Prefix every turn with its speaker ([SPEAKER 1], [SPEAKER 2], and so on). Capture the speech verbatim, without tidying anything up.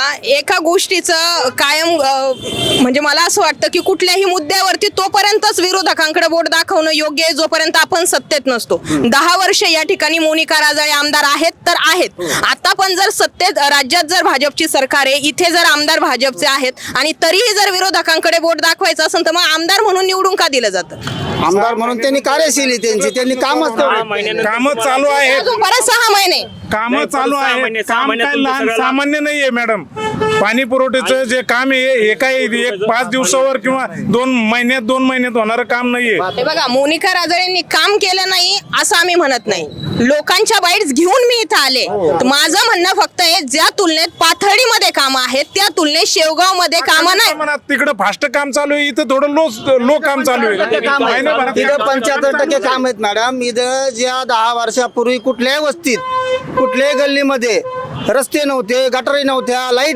[SPEAKER 1] एका गोष्टीचं कायम अ, म्हणजे मला असं वाटतं की कुठल्याही मुद्द्यावरती तोपर्यंतच विरोधकांकडे बोट दाखवणं योग्य आहे जोपर्यंत आपण सत्तेत नसतो. दहा वर्ष या ठिकाणी मोनिका राजाळे आमदार आहेत तर आहेत. आता पण जर सत्तेत राज्यात जर भाजपची सरकार आहे, इथे जर आमदार भाजपचे आहेत आणि तरीही जर विरोधकांकडे बोट दाखवायचं असेल तर मग आमदार म्हणून निवडून का दिलं जातं?
[SPEAKER 2] आमदार म्हणून त्यांनी कार्यशील त्यांची त्यांनी कामच
[SPEAKER 3] काम चालू आहेत,
[SPEAKER 1] अजून परत सहा महिने
[SPEAKER 3] काम चालू
[SPEAKER 4] सहा
[SPEAKER 3] आहे.
[SPEAKER 4] महिने- सहा
[SPEAKER 3] काम
[SPEAKER 4] महिन्यात
[SPEAKER 3] काय
[SPEAKER 4] तुमचं
[SPEAKER 3] लहान
[SPEAKER 4] सगळं
[SPEAKER 3] सामान्य नाहीये मॅडम. पाणी पुरवठ्याचं जे काम आहे हे काही एक पाच दिवसावर किंवा दोन महिन्यात दोन महिन्यात होणारं काम नाहीये.
[SPEAKER 1] हे बघा, मोनिका राजाळेंनी काम केलं नाही असं आम्ही म्हणत नाही. लोकांच्या बाईट्स घेऊन मी इथं आले. तर माझं म्हणणं फक्त आहे, ज्या तुलनेत पाथर्डीमध्ये कामं आहेत त्या तुलनेत शेवगाव मध्ये कामं नाही.
[SPEAKER 3] प्रमाणात तिकडे फास्ट काम चालू आहे, इथं थोडं लो लो काम चालू आहे. महिन्याभरात
[SPEAKER 2] तिथं पंच्याहत्तर टक्के काम आहेत मॅडम. इथं ज्या दहा वर्षापूर्वी कुठल्याही वस्तीत कुठल्याही गल्लीमध्ये रस्ते नव्हते, गटारी नव्हत्या, लाईट